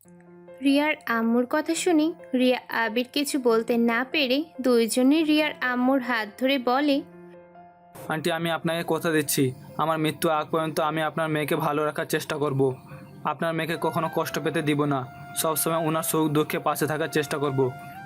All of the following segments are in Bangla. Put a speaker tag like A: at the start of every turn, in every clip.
A: রিয়ার আম্মুর কথা শুনে রিয়া আবির কিছু বলতে না পেরে দুইজনে রিয়ার আম্মুর হাত ধরে বলে,
B: আন্টি, আমি আপনাকে কথা দিচ্ছি, আমার মৃত্যু আগ পর্যন্ত আমি আপনার মেয়েকে ভালো রাখার চেষ্টা করব। আপনার মেয়েকে কখনো কষ্ট পেতে দিব না, সবসময় ওনার সুখ দুঃখে পাশে থাকার চেষ্টা করব।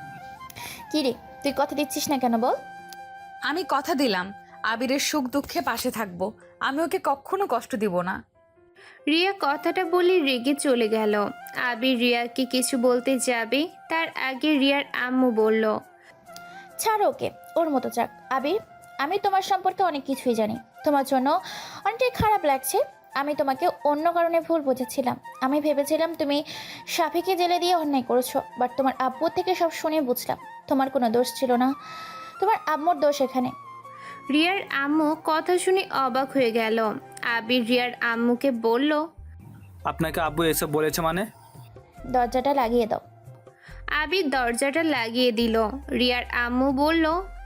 C: কি রে, তুই কথা দিচ্ছিস না কেন বল?
D: আমি কথা দিলাম আবিরের সুখ দুঃখে পাশে থাকবো। আমি ওকে কখনো কষ্ট দিব না।
A: রিয়া কথাটা বলে রেগে চলে গেল। আবির রিয়াকে কিছু বলতে যাবে তার আগে রিয়ার আম্মু বলল,
C: ছাড়ো ওকে, ওর মতো যাক। আবির, আমি তোমার সম্পর্কে অনেক কিছুই জানি। তোমার জন্য অনেকটাই খারাপ লাগছে। আমি তোমাকে অন্য কারণে ভুল বুঝেছিলাম। আমি ভেবেছিলাম তুমি সাফিকে জেলে দিয়ে অন্যায় করেছো, বাট তোমার আব্বুর থেকে সব শুনে বুঝলাম তোমার কোনো দোষ ছিল না, তোমার আম্মুর দোষ এখানে।
A: রিয়ার আম্মু কথা শুনে অবাক হয়ে গেল। আবির রিয়ার আম্মুকে বলল,
B: আপনাকে আব্বু এসব বলেছে মানে?
C: দরজাটা লাগিয়ে দাও।
A: আবির দরজাটা লাগিয়ে দিল। রিয়ার আম্মু বলল,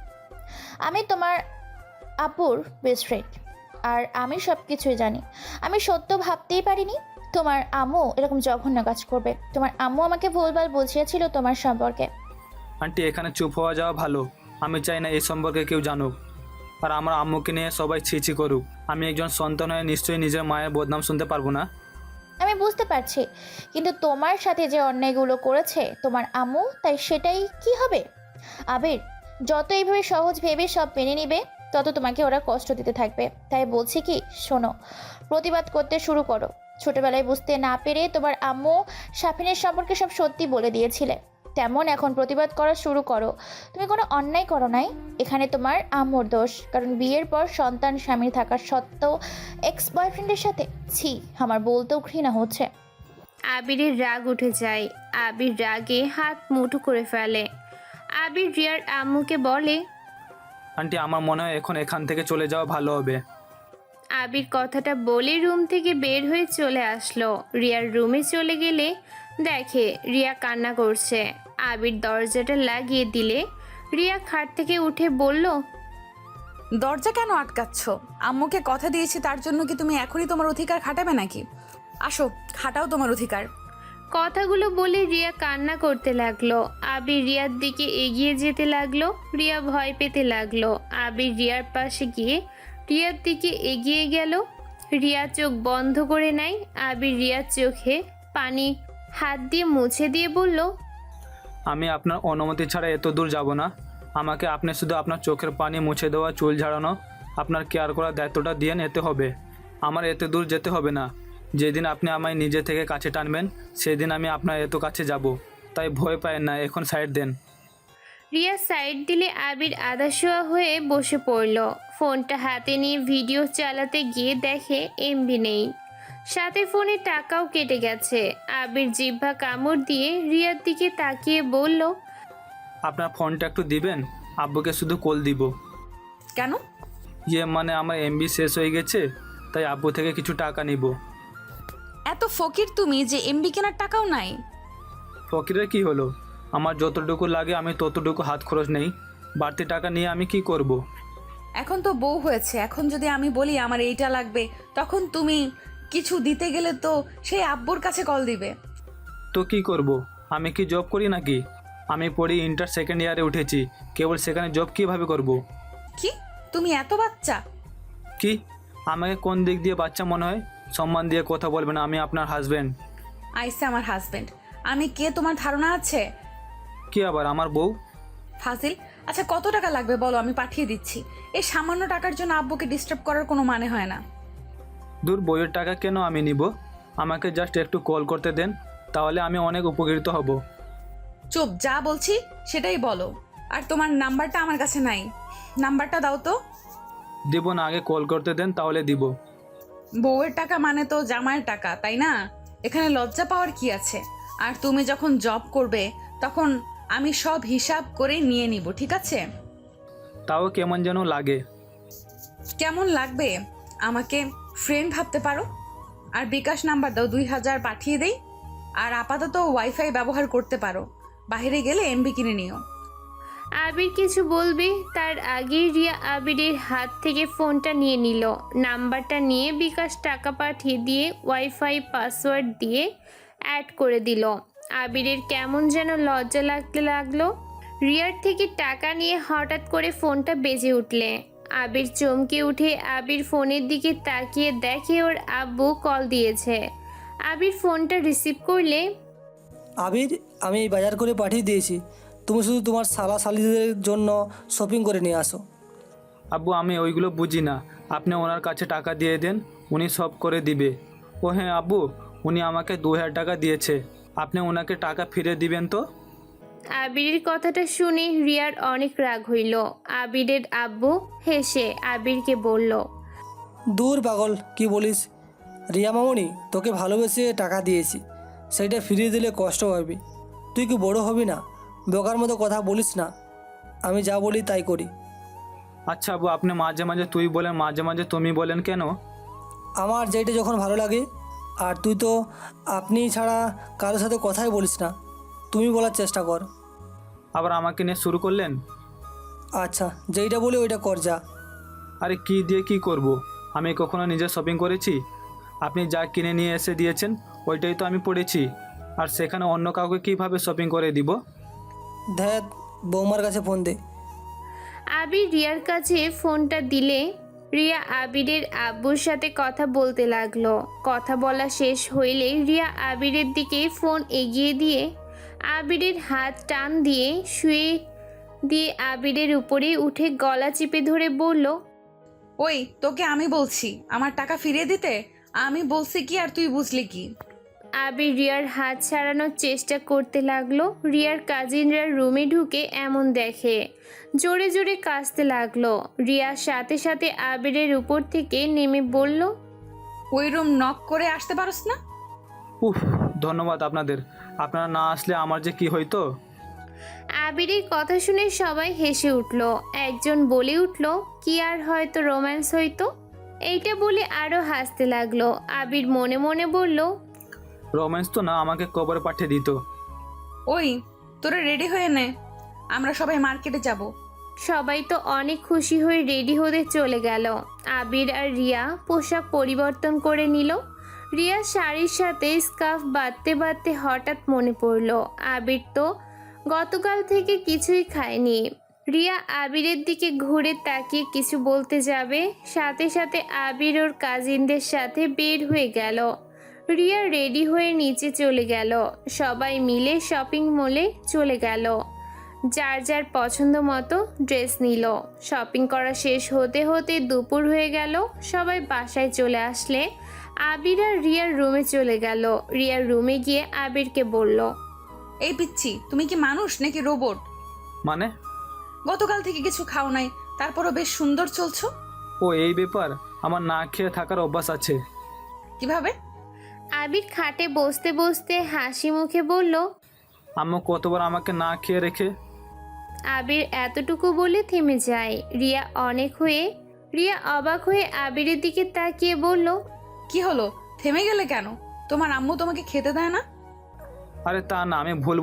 C: আমি তোমার আপুর বেস্ট ফ্রেন্ড, আর আমি সব কিছুই জানি। আমি সত্য ভাবতেই পারিনি তোমার আম্মু এরকম জঘন্য কাজ করবে। তোমার আম্মু আমাকে ভুলভাল বুঝিয়েছিল তোমার সম্পর্কে।
B: আন্টি, এখানে চুপ হওয়া যাওয়া ভালো। আমি চাই না এই সম্পর্কে কেউ জানুক, আর আমার আম্মুকে নিয়ে সবাই ছিছি করুক। আমি একজন সন্তান হয়ে নিশ্চয়ই নিজের মায়ের বদনাম শুনতে পারবো না।
C: আমি বুঝতে পারছি, কিন্তু তোমার সাথে যে অন্যায়গুলো করেছে তোমার আম্মু, তাই সেটাই কি হবে? আবির, যত এইভাবে সহজ ভেবে সব মেনে নিবে, তত তোমাকে ওরা কষ্ট দিতে থাকবে। তাই বলছি কি, শোনো, প্রতিবাদ করতে শুরু করো। ছোটবেলায় বুঝতে না পেরে তোমার আম্মু সাফিনের সম্পর্কে সব সত্যি বলে দিয়েছিলে, তেমন এখন প্রতিবাদ করা শুরু করো। তুমি কোনো অন্যায় করো নাই, এখানে তোমার আম্মুর দোষ। কারণ বিয়ের পর সন্তান স্বামীর থাকার সত্ত্বেও এক্স বয়ফ্রেন্ডের সাথে, ছি, আমার বলতেও ঘৃণা হচ্ছে।
A: আবিরের রাগ উঠে যায়। আবির রাগে হাত মুঠো করে ফেলে। আবির রিয়ার আম্মুকে বলে,
B: আন্টি, আমার মনে হয় এখন এখান থেকে চলে যাওয়া ভালো হবে।
A: আবির কথাটা বলে রুম থেকে বের হয়ে চলে আসলো। রিয়ার রুমে চলে গেলে দেখে রিয়া কান্না করছে। আবির দরজাটা লাগিয়ে দিলে রিয়া খাট থেকে উঠে বলল,
D: দরজা কেন আটকাচ্ছ? আম্মুকে কথা দিয়েছি, তার জন্য কি তুমি এখনই তোমার অধিকার খাটাবে নাকি? আসো, খাটাও তোমার অধিকার।
A: কথাগুলো বলে রিয়া কান্না করতে লাগলো। আবির রিয়ার দিকে এগিয়ে যেতে লাগলো। রিয়া ভয় পেতে লাগলো। আবির রিয়ার পাশে গিয়ে রিয়ার দিকে এগিয়ে গেল। রিয়া চোখ বন্ধ করে নেয়। আবির রিয়ার চোখে পানি হাত দিয়ে মুছে দিয়ে বলল,
B: আমি আপনার অনুমতি ছাড়া এত দূর যাব না। আমাকে আপনি শুধু আপনার চোখের পানি মুছে দেওয়া, চুল ঝাড়ানো, আপনার কেয়ার করার দায়িত্বটা দিয়ে নিতে হবে। আমার এত দূর যেতে হবে না। যেদিন আপনি আমায় নিজে থেকে কাছে টানবেন, সেদিন আমি আপনার এত কাছে যাব। তাই ভয় পায় না, এখন সাইড দেন।
A: রিয়া সাইড দিলে আবির আধাশোয়া হয়ে বসে পড়ল। ফোনটা হাতে নিয়ে ভিডিও চালাতে গিয়ে দেখে এমবি নেই, সাথে ফোনে টাকাও কেটে গেছে। আবির জিহ্বা কামড় দিয়ে রিয়ার দিকে তাকিয়ে বলল,
B: আপনার ফোনটা একটু দিবেন, আব্বুকে শুধু কল দিব।
D: কেন?
B: মানে আমার এমবি শেষ হয়ে গেছে, তাই আব্বু থেকে কিছু টাকা নিব।
D: এত ফকির তুমি যে এমবি কেনার টাকাও নাই?
B: ফকিরের কি হলো? আমার যতটুকু লাগে আমি ততটুকু হাত খরচ নেই। বাড়তি টাকা নিয়ে আমি কি করব?
D: এখন তো বউ হয়েছে, এখন যদি আমি বলি আমার এইটা লাগবে, তখন তুমি কিছু দিতে গেলে তো সেই আব্বুর কাছে কল দিবে।
B: তো কি করব? আমি কি জব করি নাকি? আমি পড়ি ইন্টার সেকেন্ড ইয়ারে উঠেছি, কেবল সেখানে জব কীভাবে করব?
D: কি, তুমি এত বাচ্চা?
B: কি, আমাকে কোন দিক দিয়ে বাচ্চা মনে হয়? সম্মান দিয়ে কথা বলবেন, আমি আপনার হাজব্যান্ড।
D: আইসে আমার হাজবেন্ড, আমি কে তোমার ধারণা আছে?
B: কি আবার আমার বউ?
D: ফাজিল। আচ্ছা, কত টাকা লাগবে বলো, আমি পাঠিয়ে দিচ্ছি। এই সামান্য টাকার জন্য আব্বুকে ডিস্টার্ব করার কোনো মানে হয় না।
B: দূর, বইয়ের টাকা কেন আমি নিব? আমাকে জাস্ট একটু কল করতে দেন, তাহলে আমি অনেক উপকৃত হব।
D: চুপ, যা বলছি সেটাই বলো। আর তোমার নাম্বারটা আমার কাছে নাই, নাম্বারটা দাও তো।
B: দিব না, আগে কল করতে দেন, তাহলে দিব।
D: বউয়ের টাকা মানে তো জামাইয়ের টাকা, তাই না? এখানে লজ্জা পাওয়ার কি আছে? আর তুমি যখন জব করবে তখন আমি সব হিসাব করে নিয়ে নিব, ঠিক আছে?
B: তাও কেমন যেন লাগে।
D: কেমন লাগবে? আমাকে ফ্রেন্ড ভাবতে পারো। আর বিকাশ নাম্বার দাও, 2000 পাঠিয়ে দেই। আর আপাতত ওয়াইফাই ব্যবহার করতে পারো, বাইরে গেলে এমবি কিনে নিও।
A: আবির কিছু বলবে তার আগেই রিয়া আবিরের হাত থেকে ফোনটা নিয়ে নিল। নাম্বারটা নিয়ে বিকাশ টাকা পাঠিয়ে দিয়ে ওয়াইফাই পাসওয়ার্ড দিয়ে অ্যাড করে দিল। আবিরের কেমন যেন লজ্জা লাগতে লাগলো। রিয়ার থেকে টাকা নিয়ে হঠাৎ করে ফোনটা বেজে উঠলে আবির চমকে উঠে আবির ফোনের দিকে তাকিয়ে দেখে ওর আব্বু কল দিয়েছে। আবির ফোনটা রিসিভ করলে,
E: আবির, আমি এই বাজার করে পাঠিয়ে দিয়েছি, তুমি শুধু তোমার শালা শালিদের জন্য শপিং করে নিয়ে আসো।
B: আব্বু, আমি ওইগুলো বুঝি না, আপনি ওনার কাছে টাকা দিয়ে দেন, উনি সব করে দিবে। ও হ্যাঁ আব্বু, উনি আমাকে 2000 টাকা দিয়েছে, আপনি ওনাকে টাকা ফিরে দিবেন তো?
A: আবিরের কথাটা শুনে রিয়ার অনেক রাগ হইল। আবিরের আব্বু হেসে আবিরকে বলল,
E: দূর পাগল, কি বলিস? রিয়া মামনি, তোকে ভালোবেসে টাকা দিয়েছি, সেইটা ফিরিয়ে দিলে কষ্ট পাবি। তুই কি বড় হবি না? বোকার মতো কথা বলিস না, আমি যা বলি তাই করি।
B: আচ্ছা আব্বু, আপনি মাঝে মাঝে তুই বলেন, মাঝে মাঝে তুমি বলেন কেন?
E: আমার যেটা যখন ভালো লাগে। আর তুই তো আপনি ছাড়া কারোর সাথে কথাই বলিস না, তুমি বলার চেষ্টা কর।
B: আবার আমাকে নিয়ে শুরু করলেন?
E: আচ্ছা, যেইটা বলি ওইটা কর যা।
B: আরে কি দিয়ে কি করব? আমি কখনো নিজে শপিং করেছি? আপনি যা কিনে নিয়ে এসে দিয়েছেন ওইটাই তো আমি পড়েছি, আর সেখানে অন্য কাউকে কিভাবে শপিং করে দিব?
E: ধ্যাত, বৌমার কাছে ফোন দে।
A: আবির রিয়ার কাছে ফোনটা দিলে রিয়া আবিরের আব্বুর সাথে কথা বলতে লাগলো। কথা বলা শেষ হইলে রিয়া আবিরের দিকে ফোন এগিয়ে দিয়ে আবিরের হাত টান দিয়ে শুয়ে দিয়ে আবিরের উপরে উঠে গলা চিপে ধরে বলল,
D: ওই, তোকে আমি বলছি আমার টাকা ফিরিয়ে দিতে। আমি বলছি কি আর তুই বুঝলি কি?
A: আবির রিয়ার হাত ছাড়ানোর চেষ্টা করতে লাগলো। রিয়ার কাজিনরা রুমে ঢুকে এমন দেখে, জোরে জোরে কাঁদতে লাগলো। রিয়ার সাথে সাথে আবিরের উপর থেকে নেমে বলল,
D: ওই রুম নক করে আসতে পারস না?
B: উফ, ধন্যবাদ আপনাদের, আপনারা না আসলে আমার যে কি হইতো।
A: আবিরের কথা শুনে সবাই হেসে উঠল। একজন বলে উঠল, কি আর হয়তো রোম্যান্স হইতো। এইটা বলে আরো হাসতে লাগলো। আবির মনে মনে বলল,
B: রোম্যান্স তো না, আমাকে কবরে পাঠিয়ে দিত।
D: ওই, তোরা রেডি হয়ে নে, আমরা সবাই মার্কেটে যাব।
A: সবাই তো অনেক খুশি হয়ে রেডি হতে চলে গেল। আবির আর রিয়া পোশাক পরিবর্তন করে নিল। রিয়া শাড়ির সাথে স্কার্ফ বাঁধতে বাঁধতে হঠাৎ মনে পড়ল আবির তো গতকাল থেকে কিছুই খায়নি। রিয়া আবিরের দিকে ঘুরে তাকিয়ে কিছু বলতে যাবে, সাথে সাথে আবির ওর কাজিনদের সাথে বের হয়ে গেল। রিয়া রেডি হয়ে নিচে চলে গেল। সবাই মিলে শপিং মলে চলে গেল। যার যার পছন্দ মতো ড্রেস নিল। শপিং করা শেষ হতে হতে দুপুর হয়ে গেল। সবাই বাসায় চলে আসলে আবির আর রিয়ার রুমে চলে গেল। রিয়ার রুমে গিয়ে আবিরকে বলল,
D: এই পিচ্ছি, তুমি কি মানুষ নাকি রোবট?
B: মানে?
D: গতকাল থেকে কিছু খাও নাই, তারপরও বেশ সুন্দর চলছো।
B: ও এই ব্যাপার, আমার না খেয়ে থাকার অভ্যাস আছে।
D: কিভাবে?
A: আবির খাটে বসতে বসতে হাসি মুখে বলল।
B: আম্মু কতবার আমাকে না খেয়ে রেখে।
A: আবির এতটুকু বলে থেমে যায়। রিয়া অবাক হয়ে আবিরের দিকে তাকিয়ে বলল,
D: কি হলো, থেমে গেলে কেন? তোমার আম্মু তোমাকে খেতে দেয় না?
B: আরে তা না,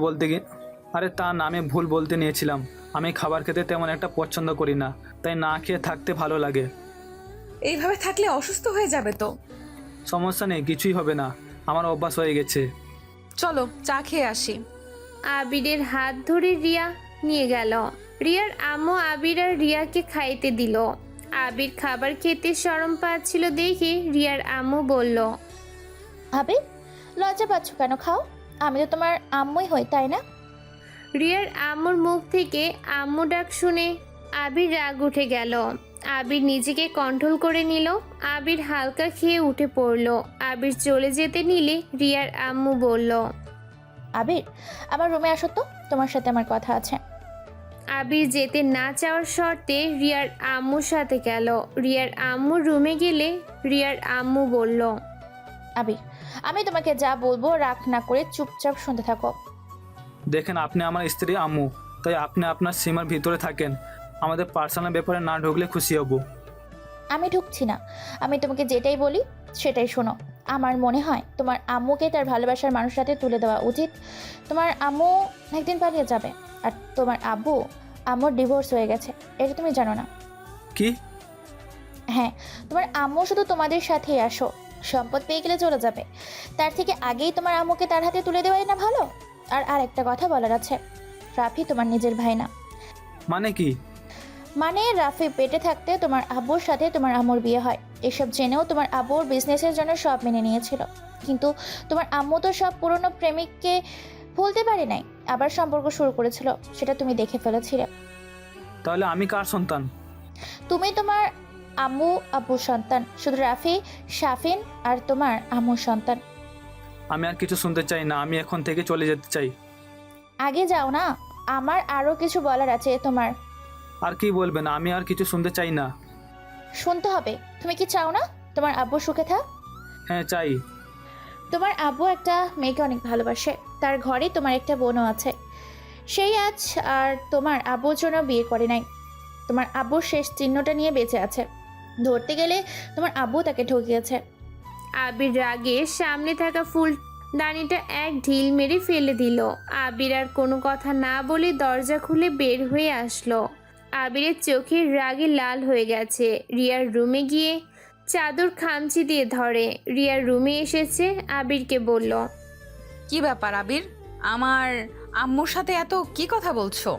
B: আমি ভুল বলতে নিয়েছিলাম। আমি খাবার খেতে তেমন একটা পছন্দ করি না, তাই না খেয়ে থাকতে ভালো লাগে।
D: এইভাবে থাকলে অসুস্থ হয়ে যাবে তো।
B: সমস্যা নেই, কিছুই হবে না, আমার অভ্যাস হয়ে গেছে।
D: চলো চা খেয়ে আসি।
A: আবিরের হাত ধরে রিয়া নিয়ে গেল। রিয়ার আম্মু আবির আর রিয়াকে খাইতে দিল। আবির খাবার খেতে শরম পাচ্ছিল দেখে রিয়ার আম্মু বলল,
C: আবির, লজ্জা পাচ্ছ কেন? খাও, আমি তো তোমার আম্মুই হই, তাই না?
A: রিয়ার আম্মুর মুখ থেকে আম্মু ডাক শুনে আবির রাগ উঠে গেল। আবির নিজেকে কন্ট্রোল করে নিল। আবির হালকা খেয়ে উঠে পড়ল। আবির চলে যেতে নিলে রিয়ার আম্মু বলল,
C: আবির, আমার রুমে আসো তো, তোমার সাথে আমার কথা আছে।
A: আবির যেতে না চাওয়ার শর্তে রিয়ার আম্মুর সাথে গেল। রিয়ার আম্মু রুমে গেলে রিয়ার আম্মু বলল,
C: আবির, আমি তোমাকে যা বলবো রাগ না করে চুপচাপ শুনতে থাকো।
B: দেখেন, আপনি আমার স্ত্রী আম্মু, তাই আপনি আপনার সীমার ভিতরে থাকেন। আমাদের পার্সোনাল ব্যাপারে না ঢুকলে খুশি হব।
C: আমি ঢুকছি না, আমি তোমাকে যেটাই বলি সেটাই শোনো। আমার মনে হয় তোমার আম্মুকে তার ভালোবাসার মানুষের সাথে তুলে দেওয়া উচিত। তোমার আম্মু একদিন পালিয়ে যাবে, আর তোমার আম্মুর ডিভোর্স হয়ে গেছে, এটা তুমি জানো না?
B: কি?
C: হ্যাঁ, তোমার আম্মু শুধু তোমাদের সাথেই আসো, সম্পদ পেয়ে গেলে চলে যাবে, তার থেকে আগেই তোমার আম্মুকে তার হাতে তুলে দেওয়াই না ভালো। আর একটা কথা বলার আছে, রাফি তোমার নিজের ভাই না।
B: মানে কি?
C: মানে রাফি পেটে থাকতে তোমার আব্বুর সাথে তোমার আম্মুর বিয়ে হয়। এসব জেনেও তোমার আব্বুর বিজনেসের জন্য সব মেনে নিয়েছিল, কিন্তু তোমার আম্মু তো সব পুরনো প্রেমিককে ভুলতে পারে নাই, আবার সম্পর্ক শুরু করেছিল, সেটা তুমি দেখে ফেলেছিলে।
B: তাহলে আমি কার সন্তান?
C: তুমি তোমার আম্মু আব্বুর সন্তান, শুধু রাফি, শাফিন আর তোমার আম্মুর সন্তান।
B: আমি আর কিছু শুনতে চাই না, আমি এখন থেকে চলে যেতে চাই।
C: আগে যাও না, আমার আরও কিছু বলার আছে তোমার।
B: আর কি বলবেন? আমি আর কিছু শুনতে চাই না।
C: শুনতে হবে। তুমি কি চাও না তোমার আব্বু সুখে থাক?
B: হ্যাঁ চাই।
C: তোমার আব্বু একটা মেয়েকে অনেক ভালোবাসে, তার ঘরে তোমার একটা বোনও আছে। সেই আজ আর তোমার আব্বুর জন্য বিয়ে করে নাই, তোমার আব্বুর শেষ চিহ্নটা নিয়ে বেঁচে আছে। ধরতে গেলে তোমার আব্বু তাকে ঠকিয়েছে।
A: আবির রাগে সামনে থাকা ফুলদানিটা এক ঢিল মেরে ফেলে দিল। আবির আর কোনো কথা না বলে দরজা খুলে বের হয়ে আসলো। আবিরের চোখের রাগে লাল হয়ে গেছে। রিয়ার রুমে গিয়ে চাদর খামচি দিয়ে ধরে। রিয়ার রুমে এসেছে, আবিরকে বলল,
D: কি ব্যাপার আবির, আমার আম্মুর সাথে এত কি কথা বলছো?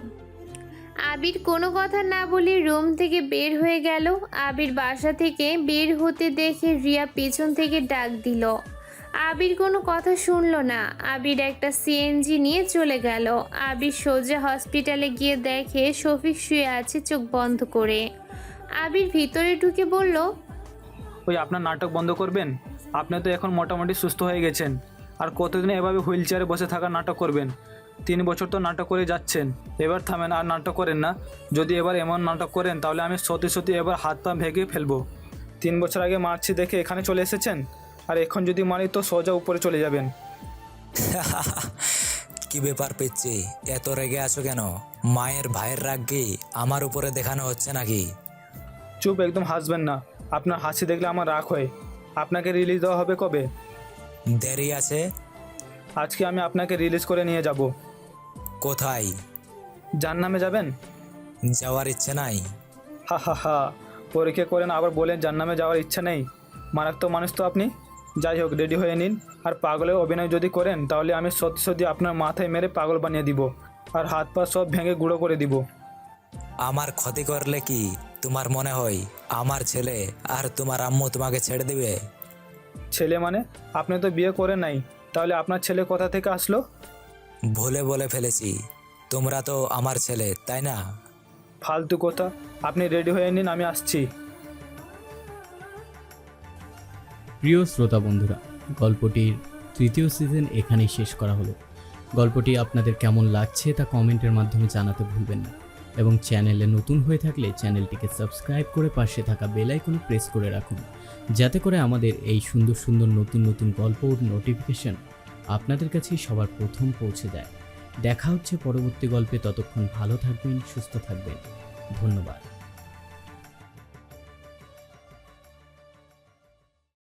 A: আবির কোনো কথা না বলে রুম থেকে বের হয়ে গেল। আবির বাসা থেকে বের হতে দেখে রিয়া পেছন থেকে ডাক দিল। আবির কোনো কথা শুনল না। আবির একটা সিএনজি নিয়ে চলে গেল। আবির সোজা হসপিটালে গিয়ে দেখে শফিক শুয়ে আছে চোখ বন্ধ করে। আবির ভিতরে ঢুকে বলল,
B: ওই আপনার নাটক বন্ধ করবেন? আপনি তো এখন মোটামুটি সুস্থ হয়ে গেছেন, আর কতদিন এভাবে হুইল চেয়ারে বসে থাকার নাটক করবেন? 3 বছর তো নাটক করে যাচ্ছেন, এবার থামেন, আর নাটক করেন না। যদি এবার এমন নাটক করেন তাহলে আমি সত্যি সত্যি এবার হাত পা ভেঙে ফেলবো। 3 বছর আগে মারছি দেখে এখানে চলে এসেছেন, আর এখন যদি মারি তো সোজা উপরে চলে যাবেন।
F: কি ব্যাপার পেচ্ছি, এত রেগে আছো কেন? মায়ের ভাইয়ের রাগ কি আমার উপরে দেখানো হচ্ছে নাকি?
B: চুপ, একদম হাসবেন না। আপনার হাসি দেখলে আমার রাগ হয়। আপনাকে রিলিজ দেওয়া হবে কবে?
F: দেরি আছে।
B: আজকে আমি আপনাকে রিলিজ করে নিয়ে যাব।
F: কোথায়?
B: জাহান্নামে যাবেন?
F: যাওয়ার ইচ্ছে নাই।
B: হা হা হা, পরীক্ষা করেন আবার বলেন জাহান্নামে যাওয়ার ইচ্ছা নেই। মারাত্মক মানুষ তো আপনি। যাই হোক, রেডি হয়ে নিন। আর পাগলের অভিনয় যদি করেন তাহলে আমি সত্যি সত্যি আপনার মাথায় মেরে পাগল বানিয়ে দিব, আর হাত পা সব ভেঙে গুঁড়ো করে দিব।
F: আমার ক্ষতি করলে কি তোমার মনে হয় আমার ছেলে আর তোমার আম্মু তোমাকে ছেড়ে দিবে?
B: ছেলে মানে? আপনি তো বিয়ে করেন নাই, তাহলে আপনার ছেলে কোথা থেকে আসলো?
F: ভুলে বলে ফেলেছি, তোমরা তো আমার ছেলে, তাই না?
B: ফালতু কথা। আপনি রেডি হয়ে নিন, আমি আসছি।
G: প্রিয় শ্রোতা বন্ধুরা, গল্পটির 3য় সিজন এখানেই শেষ করা হলো। গল্পটি আপনাদের কেমন লাগছে তা কমেন্টের মাধ্যমে জানাতে ভুলবেন না, এবং চ্যানেলে নতুন হয়ে থাকলে চ্যানেলটিকে সাবস্ক্রাইব করে পাশে থাকা বেল আইকনে প্রেস করে রাখুন, যাতে করে আমাদের এই সুন্দর সুন্দর নতুন নতুন গল্প ও নোটিফিকেশন আপনাদের কাছে সবার প্রথম পৌঁছে যায়। দেখা হচ্ছে পরবর্তী গল্পে। ততক্ষণ ভালো থাকবেন, সুস্থ থাকবেন। ধন্যবাদ।